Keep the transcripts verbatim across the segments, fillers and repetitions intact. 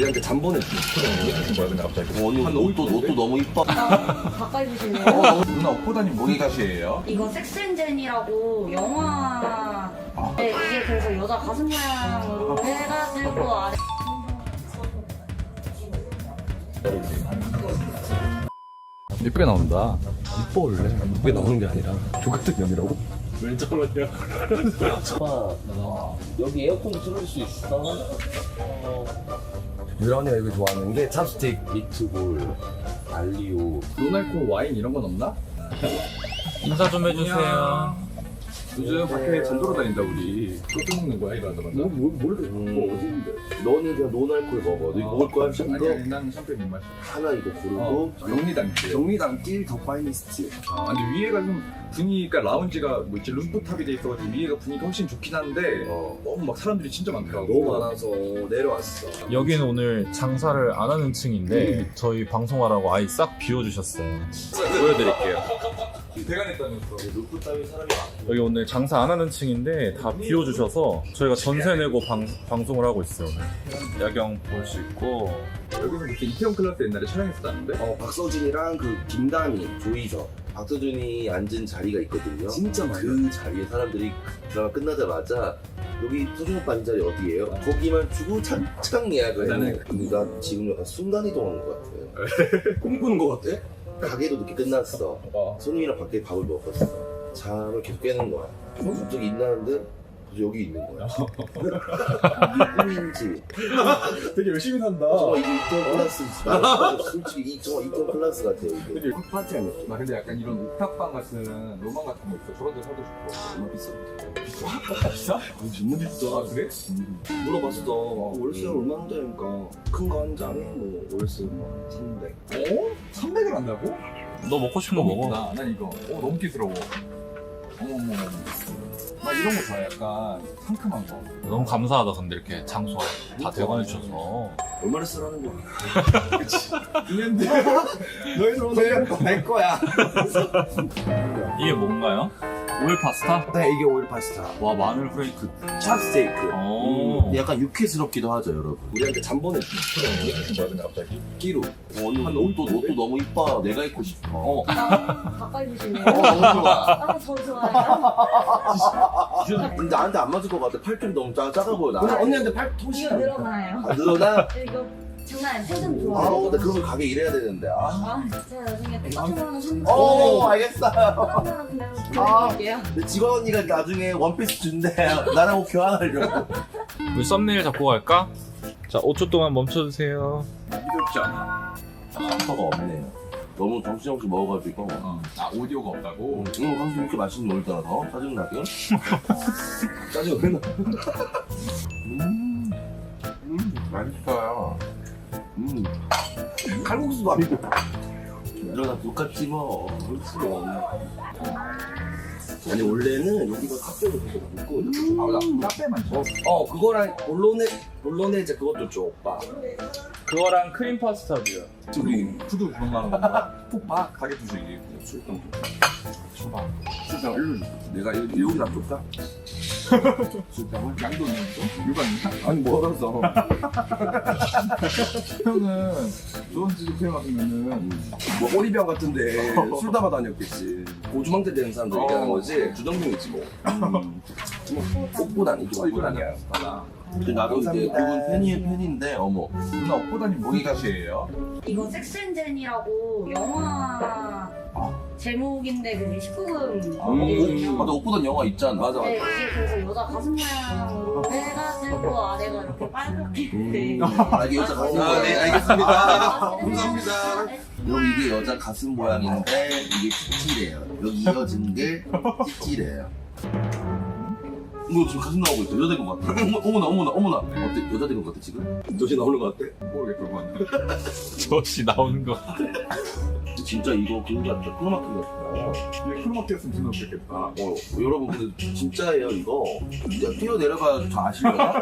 우리한테 잠보내 주는 거야 근데 갑자기. 어, 언니 옷도 옷도 너무 이뻐. 가까이 보실래요? 어, 누나 오포다님 뭐기 가시예요? 이거 섹스앤젠이라고 영화. 네, 이게 그래서 여자 가슴 모양으로 해가지고 아래. 예쁘게 나온다. 이뻐 원래. 예쁘게 나오는 게 아니라 조같은 년이라고? 왜 저러냐? 오빠 여기 에어컨 틀을 수 있어? 유라 언니가 이거 좋아하는 게 찹스틱. 미트볼, 알리오. 노날코 와인 이런 건 없나? 인사 좀 해주세요. 요즘 밖에 잔 돌아다닌다 우리. 소주 먹는 거야 이거 하자마자. 뭐, 뭐, 모르겠어. 뭐 어디인데? 너는 그냥 노날콜 먹어. 너 이거 먹을 거야? 아니 이거 아니 난 샴페인 못 마셔. 하나 이거 고르고. 어, 정리단길. 정리단길 더 파이니스트. 아, 근데 위에가 좀 분위기가 라운지가 뭐 이렇게 루프탑이 돼 있어가지고 위에가 분위기가 훨씬 좋긴 한데 어. 너무 막 사람들이 진짜 많더라고. 너무 많아서 내려왔어. 여기는 오늘 장사를 안 하는 층인데 저희 방송하라고 아예 싹 비워주셨어요. 보여드릴게요. 대관했다면서. 루프탑에 사람이 많아. 여기 오늘 장사 안 하는 층인데 다 비워주셔서 저희가 전세 내고 방, 방송을 하고 있어요. 오늘. 야경 볼 수 있고. 여기서 무슨 이태원 클라스 옛날에 촬영했었다는데? 어, 박서진이랑 그 김다미, 조이서. 박서준이 앉은 자리가 있거든요. 진짜 많이. 그 자리에 사람들이 드라마 끝나자마자 여기 서준 오빠 앉은 자리 어디예요? 거기만 주고 찬창 예약을 나는- 해. 그러니까 지금 약간 순간이동하는 것 같아요. 꿈꾸는 거 같아? 가게도 늦게 끝났어. 어. 손님이랑 밖에 밥을 먹었어. 잠을 계속 깨는 거야. 어, 갑자기 일어나는데 그래서 여기 있는 거야. 이게 꿈인지. 되게 열심히 산다. 정말 이게 이태원 클래스. 나는 솔직히 이 정말 이태원 클래스 같아요. 이게. 되게 핫파티한 느낌. 나 근데 약간 이런 옥탑방 같은 로망 같은 거 있어. 저런 데 살고 싶어. 너무 비싸. 비싸? 비싸? 너무 비싸. 아 그래? 물어봤어. 월세 얼마인데? 그러니까 큰 거 한 장에 뭐 월세 뭐 삼백. 어? 삼백을 한다고? 너 먹고 싶은 거 먹어. 나, 난 이거. 어, 너무 끼스러워. 어머머머. 나 이런 거 좋아해. 약간 상큼한 거. 너무 감사하다. 근데 이렇게 장소 다 대관해주셔서. 얼마를 쓰라는 거야? 근데 너희 손에 내 거야. 이게 뭔가요? 오일 파스타? 네, 이게 오일 파스타. 와, 마늘 프레이크. 찹스테이크. 오. 약간 유쾌스럽기도 하죠, 여러분. 우리한테 잠보내 주는 거야 근데 갑자기. 끼로. 언니 옷도 옷도 너무 이뻐. 내가 입고 싶어. 어, 가까이 보실래요? 너무 좋아. 아, 저 좋아요. 근데 나한테 안 맞을 것 같아. 팔뚝이 너무 작, 작아 보여. 그래서 나. 언니한테 팔 이거 토시야. 늘어나요. 아, 늘어나? 이거 장난 아니에요. 텐션 아우, 좋아요. 나 그러면 가게 일해야 되는데. 아. 아, 제가 나중에 똑같은 거는 한 어, 알겠어요. 그러면 그냥 보내드릴게요. 내 직원 언니가 나중에 원피스 준대. 나랑 옷 교환하려고. 우리 썸네일 잡고 갈까? 자, 오 초 동안 멈춰주세요. 부드럽지 않아. 컴퓨터가 없네요. 너무 정신없이 먹어가지고. 어. 아 오디오가 없다고? 응, 당신 이렇게 맛있는 거 올더라, 더? 짜증나게? 짜증 왜 나? 음, 음, 맛있어요. 음, 칼국수도 아니고. 이러다 똑같지 뭐. 그렇지. 아니 원래는 여기가 카페로 되게 많고 아 맞아. 카페만 줘. 어, 어 그거랑 볼로네 볼로네제 그것도 줘 오빠. 그거랑 크림 파스타도요. 우리 푸드 구경하는 건가? 푹봐 가게 주식이. 술병 줘봐. 술병 일로 줘. 내가 여기 여기다 줄까? 술병을? 양도 있는 거? 유관이야? 아니 멀어서. 형은 좋은 집에 태어 왔으면은 뭐 오리병 같은데 술 담아 다녔겠지. 고주망태 되는 사람들 어. 얘기하는 거지. 주정뱅이지 뭐. 음. 뭐 꽃보단 이게 어 이건 꽃보단이야. 아니야. 달라. 근데 나도 이제 감사합니다. 그분 팬이 팬인데, 어머. 누나 오포다님 뭐기 가시예요? 이거 섹스앤젠이라고 영화 제목인데 그게 십구 금 아, 이거든요. 맞아, 옷보단 영화 있잖아. 맞아 네, 맞아. 이게 그래서 여자 가슴 모양으로 해가지고 아래가 이렇게 빨갛게 돼. 아, 이게 여자 가슴 아, 모양. 네, 알겠습니다. 감사합니다. 여러분, 이게 여자 가슴 모양인데, 이게 찌찌래요. 여기 이어진 게 찌찌래요. 이거 지금 가슴 나오고 있어. 여자 된 것 같아. 어머, 어머나, 어머나, 어머나. 어때? 여자 된 것 같아, 지금? 도시 나오는 거 같아? 모르겠어 그건. 저씨 나오는 거. 진짜 이거 그거 같다. 크로마키 같다. 이게 크로마키였으면 존나 웃겼겠다. 어, 여러분, 근데 진짜예요, 이거. 야, 뛰어내려가 저 아시려나?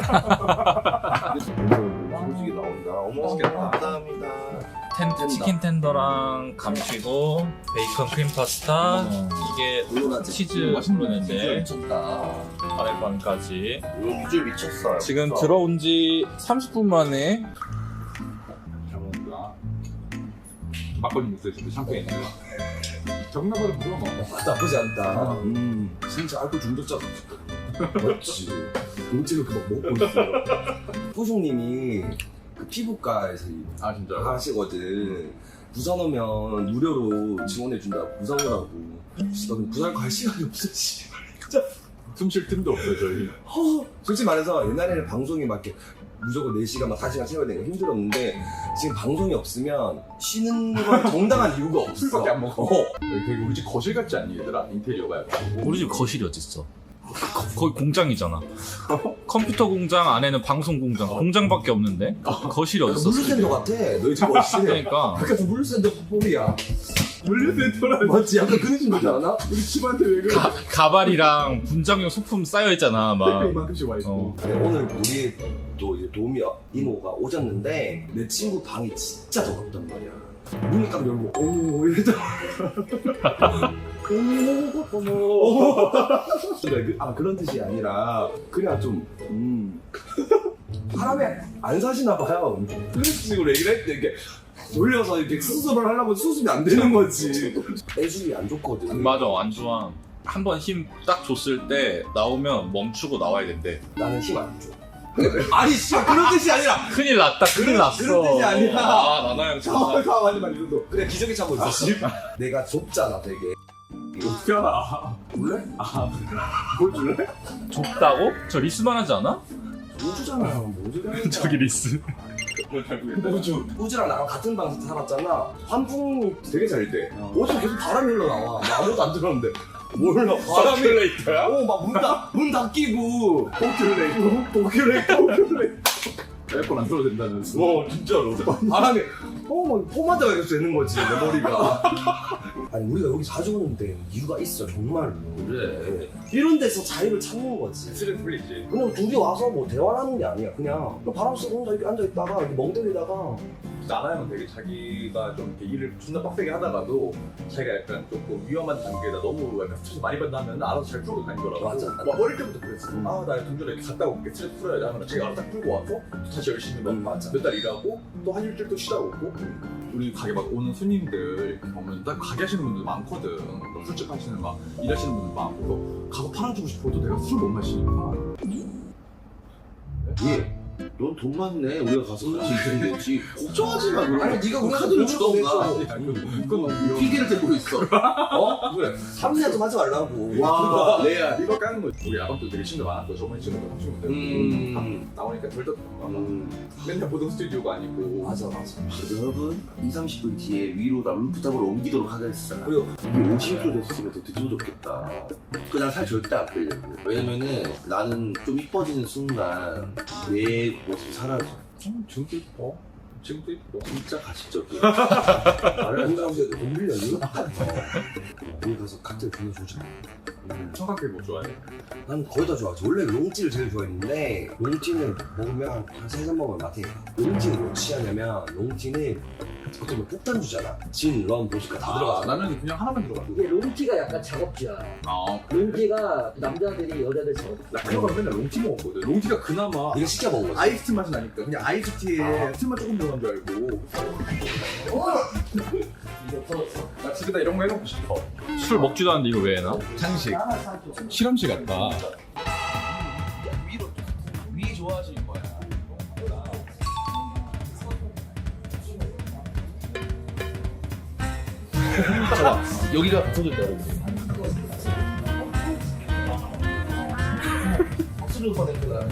솔직히 나온다. 어머, 맛있겠다. 감사합니다. 텐, 텐더. 치킨 텐더랑 감튀고 베이컨 크림 파스타. 이게 물론하지. 치즈 맛있는 브로인데 미쳤다. 아랫반까지. 이거 비주얼 미쳤어요. 지금 진짜. 들어온 지 삼십 분 만에 막걸리 믹스에 진짜 샴페인 있는 정나발은 무조건 먹어. 나쁘지 않다. 음, 진짜 알코올 중독자다. 맞지. 동치를 그막 먹고 있어. 호송님이 그 피부과에서 아 진짜? 하시거든. 부산 오면 무료로 지원해준다. 부산 오라고. 진짜 부산 갈 시간이 없어. 씨. 진짜. 숨 쉴 틈도 없어요 저희. 허, 솔직히 말해서 옛날에는 방송이 막 이렇게 무조건 네 시간 막 다섯 시간 채워야 되는 거 힘들었는데 지금 방송이 없으면 쉬는 건 정당한 이유가 없어. 술밖에 안 먹어. 어. 여기 되게 우리 집 거실 같지 않니 얘들아? 인테리어가 약간. 우리 집 거실이 어딨어? 거의 공장이잖아. 컴퓨터 공장 안에는 방송 공장. 공장밖에 없는데 거실이 어딨어? 물류센터 같아. 너희 집 거실. 그러니까 약간 물류센터 뽀이야. 물류센터라. 맞지? 약간 그런 느낌 나지 않아? 우리 집한테 왜 그래? 가, 가발이랑 분장용 소품 쌓여 있잖아. 막. 이만큼씩 와 있고. 어. 네, 오늘 우리 또 이제 도우미 이모가 오셨는데 내 친구 방이 진짜 더럽단 말이야. 문을 딱 열고 어머 이러다. 어머 어머. 아 그런 뜻이 아니라 그냥 좀 음. 사람이 안 사시나 봐요. 그런 식으로 얘기를 했는데 이게 돌려서 이렇게 수습을 하려고 수습이 안 되는 거지. 애술이 안 좋거든. 맞아, 안 좋아. 한 번 힘 딱 줬을 때 나오면 멈추고 나와야 된대. 나는 힘 안 줘. 아니 씨 그런 뜻이 아니라. 큰일 났다, 큰일 그런- 났어. 그런 뜻이 아니라. 아, 나나양 가만 가만히만 이러도 그래 기저귀 차고 있어. 내가 좁잖아 되게. 어떻게 알아? 몰래? 뭘 줄래? 좁다고? 저 리스만 하지 않아? 우주잖아. 뭐 우주가 저기 리스. 우주. 우주랑 나랑 같은 방에서 살았잖아. 환풍이 되게 잘 돼. 어. 어제 계속 바람이 흘러나와. 나 아무것도 안 들었는데. 몰라. 바람이. 서큘레이터야? 어, 막 문 닫, 문 닫히고. 도큘레이터. 도큘레이터. 도큘레이터. 에어컨 안 틀어도 된다면서. 어, 진짜로. 바람이. 어, 막 포마드가 계속 되는 거지, 내 머리가. 아니, 우리가 여기 자주 오는데 이유가 있어, 정말로. 그래. 이런 데서 자유를 찾는 거지. 스트레스 풀리지. 그냥 둘이 와서 뭐 대화를 하는 게 아니야. 그냥 바람 쐬고 혼자 이렇게 앉아있다가 이렇게 멍 때리다가 나나양은 되게 자기가 좀 이렇게 일을 존나 빡세게 하다가도 자기가 약간 조금 위험한 단계에다 너무 약간 스트레스 많이 받다 하면 알아서 잘 풀고 다니더라고. 맞아. 막 어릴 때부터 그랬어. 음. 아, 나 동전에 이렇게 갔다 올게. 스트레스 풀어야지 하면 자기가 알아서 딱 풀고 와서 또 다시 열심히 음, 맞아. 몇 달 일하고 또 한 일주일 또 쉬다 오고. 우리 가게 막 오는 손님들 이렇게 보면 딱 가게 하시는 분들 많거든. 뭐 술집 하시는 막 일하시는 분들 많고 가서 팔아주고 싶어도 내가 술 못 마시니까. 예. 넌 돈 많네. 우리가 가서 같이 있으면 되지. 걱정하지 마. 그럼. 아니, 네가 그럼 우리한테 카드를 돈을 주던가. 보내줘. 아니, 이건 너무 핑계를 대고 있어. 어? 그래. 삼내 좀 하지 말라고. 와, 레알. 이거 까는 거지. 우리 아방도 되게 친구 많았고 저번에 친구도 친구들 음. 나오니까 절대 음. 음. 맨날 보던 스튜디오가 아니고. 맞아, 맞아. 여러분, 이삼십 분 뒤에 위로다 루프탑으로 옮기도록 하겠어. 그리고 이게 오십 도 됐으면 더 늦어도 좋겠다. 그난 살 절대 안 빼려고. 왜냐면은 나는 좀 이뻐지는 순간 내 모습이 사라져. 음, 지금도 이뻐. 지금도 이뻐. 진짜 가식적이야. 나를 한가운데 돈 빌려니? 우리 가서 칵테일 빌려주자. 음. 청각회 뭐 좋아해? 난 거의 다 좋아하지. 원래 롱찌를 제일 좋아했는데 롱찌는 먹으면 한 세 잔 먹으면 맛이 롱찌는 뭐 취하냐면 롱찌는 어떻게 보면 폭탄 주잖아. 진, 럼, 보시카 다 아, 들어가잖아. 나는 그냥 하나만 들어가. 이게 롱티가 약간 작업지야. 아, 롱티가 남자들이 여자들 작업. 나 그거가 맨날 롱티 먹었거든. 롱티가 그나마 이거 시켜 먹은 거지. 아이스티 맛이 나니까 그냥 아이스티에 술만 조금 들어간 줄 알고. 이거 풀었어. 나 집에다 이런 거 해놓고 싶어. 술 먹지도 않는데 이거 왜 해놔? 장식. 하나 사줘. 실험실 같다. 위로 위 좋아하시는 거야. 잠깐 여기가 붙어졌다 여러분. 박수를 보냈구나.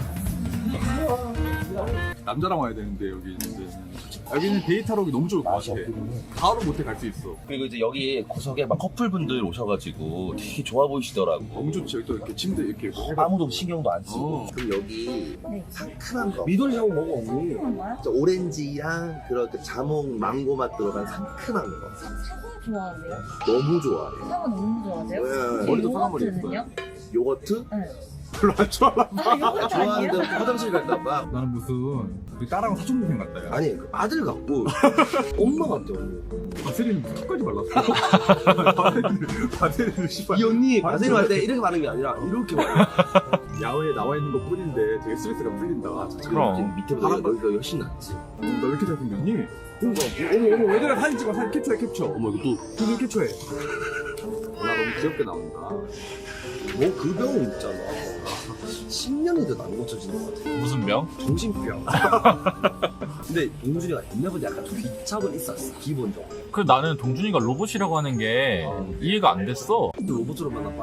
남자랑 와야 되는데 여기 있는데 여기는 데이트하러 오기 너무 좋을 것 같아. 바로 모텔 갈 수 있어. 그리고 이제 여기 구석에 막 커플분들 오셔가지고 되게 좋아 보이시더라고. 너무 좋지. 여기 또 이렇게 침대 이렇게 해가. 아무도 신경도 안 쓰고. 어. 그럼 여기 네. 상큼한 거. 미돌이 샤워 먹어 언니. 그런 거야? 진짜 오렌지랑 그런 그 자몽, 망고 맛 들어간 상큼한 거. 사과 좋아하세요? 너무 좋아해. 사과 너무 좋아하세요? 네. 머리도 사과 머리 요거트는요? 요거트? 네. 별로 안 좋아하나 봐. 아, 이거 좋아하는데 아니야? 화장실 갈까 봐. 나는 무슨 그 딸하고 사촌 동생 같다. 야. 아니 그 아들 같고 엄마 같아 언니. 바세린 무슨 끝까지 발랐어. 바세린 바세린 씨발. 이 언니 바세린 할때 이렇게 바르는 게 아니라 이렇게 바르. 야외에 나와 있는 것 뿐인데 되게 스트레스가 풀린다. 그럼. 밑에보다 바람 여기가 훨씬 낫지. 너 왜 이렇게 잘생겼니? 그러니까 어머 어머 얘들아 사진 찍어 사진 캡처해 캡처. 어머 이거 사진 캡처해. 나 너무 귀엽게 나온다. 또뭐그 병은 있잖아. 십 년이도 안 고쳐지는 것 같아. 무슨 병? 정신병. 근데 용준이가 옛날부터 약간 좀 귀착은 있었어 기본적으로. 그 나는 동준이가 로봇이라고 하는 게 이해가 안 됐어. 또 로봇으로 만나봐.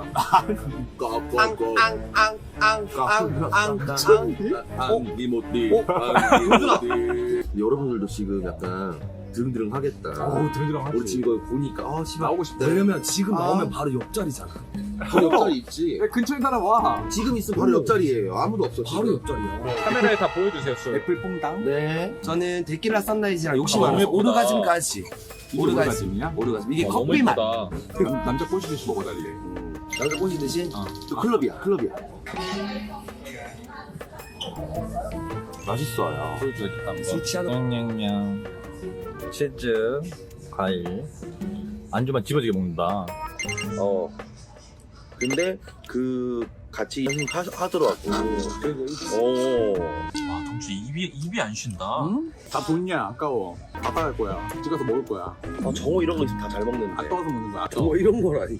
앙 리모티. 용준아. 여러분들도 지금 약간 드릉드릉 하겠다. 어우 드릉드릉 하지. 우리 지금 이거 보니까 아 씨발 나오고 싶다. 왜냐면 지금 아. 나오면 바로 옆자리잖아. 바로 옆자리 있지. 야, 근처에 사람 와. 지금 있으면 바로 옆자리예요. 아무도 없어. 바로 지금. 옆자리야. 카메라에 다 보여주세요, 술. 애플 퐁당. 네. 저는 데킬라 선라이즈랑 욕심 아, 많아서 너무 예쁘다. 오르가즘까지. 오르가즘. 오르가즘이야? 오르가즘. 이게 어, 너무 커피 맛. 예쁘다. 남- 남자 꼬시듯이 먹어달래. 남자 꼬시듯이. 어. 또 클럽이야. 클럽이야. 맛있어요. 보여줘야겠다. 술 취하는 냥냥냥. 치즈, 과일. 안주만 집어지게 먹는다. 어. 근데 그 같이 하, 하더라고. 오. 와, 동준 입이, 입이 안 쉰다. 응? 다 돈이야 아까워. 아빠 갈 거야. 집 가서 먹을 거야. 아, 정호 이런 거 있으면 다 잘 먹는데. 아까워서 먹는 거야. 아까워. 정호 이런 거라니.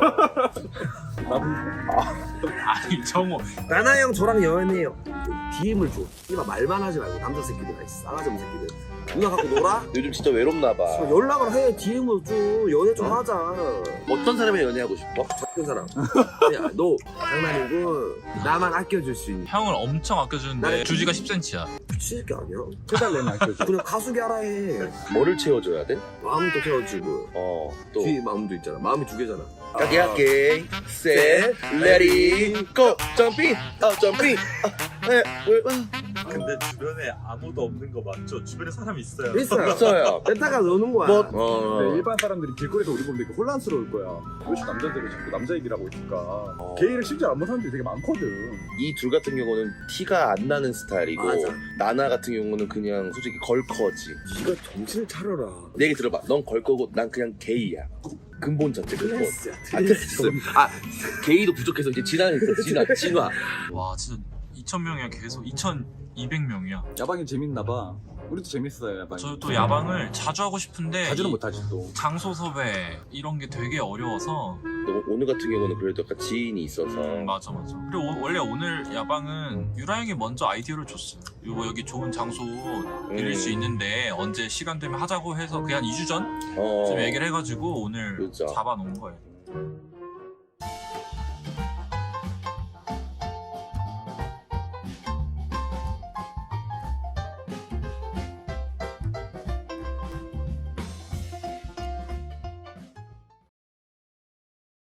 아니, 정호. 나나 형 저랑 연애해요. 디엠을 줘. 이봐 말만 하지 말고 남자 새끼들, 싸가지 없는 새끼들. 누나 갖고 놀아? 요즘 진짜 외롭나 봐. 저 연락을 해. 디엠을 줘. 연애 좀 하자. 어떤 사람이 연애하고 싶어? 작은 사람. 야, 너 장난이고 나만 아껴줄 수 있는. 형을 엄청 아껴주는데 나는- 주지가 십 센티미터야. 미친새끼 아니야? 해달래는 아껴줘. 그냥 가수기 하라 해. 뭐를 채워줘야 돼? 마음도 채워주고 어, 또. 뒤에 마음도 있잖아. 마음이 두 개잖아. 가게 할게. 셋, 레디, 고! 점핑! 어, 점핑! 아, 네, 왜, 아. 근데 주변에 아무도 없는 거 맞죠? 주변에 사람이 있어요. 있어요. 있어요. 렌타가 노는 거야. 뭐, 네, 어. 일반 사람들이 길거리에서 우리 보면 되게 혼란스러울 거야. 왜 남자들이 자꾸 남자 얘기를 하고 있을까? 어. 게이를 실제로 안 보는 사람들이 되게 많거든. 이 둘 같은 경우는 티가 안 나는 스타일이고, 맞아. 나나 같은 경우는 그냥 솔직히 걸커지. 네가 정신을 차려라. 내 얘기 들어봐. 넌 걸거고, 난 그냥 게이야. 근본 자체, 근본. 트랜스야. 아, 트랜스. 아, 게이도 부족해서 이제 진화는 있어. 진화, 진화. 와, 진짜 이천 명이야, 계속. 이천이백 명이야. 야방이 재밌나 봐. 우리도 재밌어요 야방이. 저 또 야방을 자주 하고 싶은데 자주는 이 못하지 또. 장소 섭외 이런 게 되게 어려워서. 너 오늘 같은 경우는 그래도 약간 지인이 있어서. 음, 맞아 맞아. 그리고 오- 원래 오늘 야방은 유라 형이 먼저 아이디어를 줬어. 이거 여기 좋은 장소 빌릴 수 있는데 언제 시간 되면 하자고 해서 그냥 이 주 전쯤 어. 얘기를 해가지고 오늘 그죠. 잡아놓은 거예요.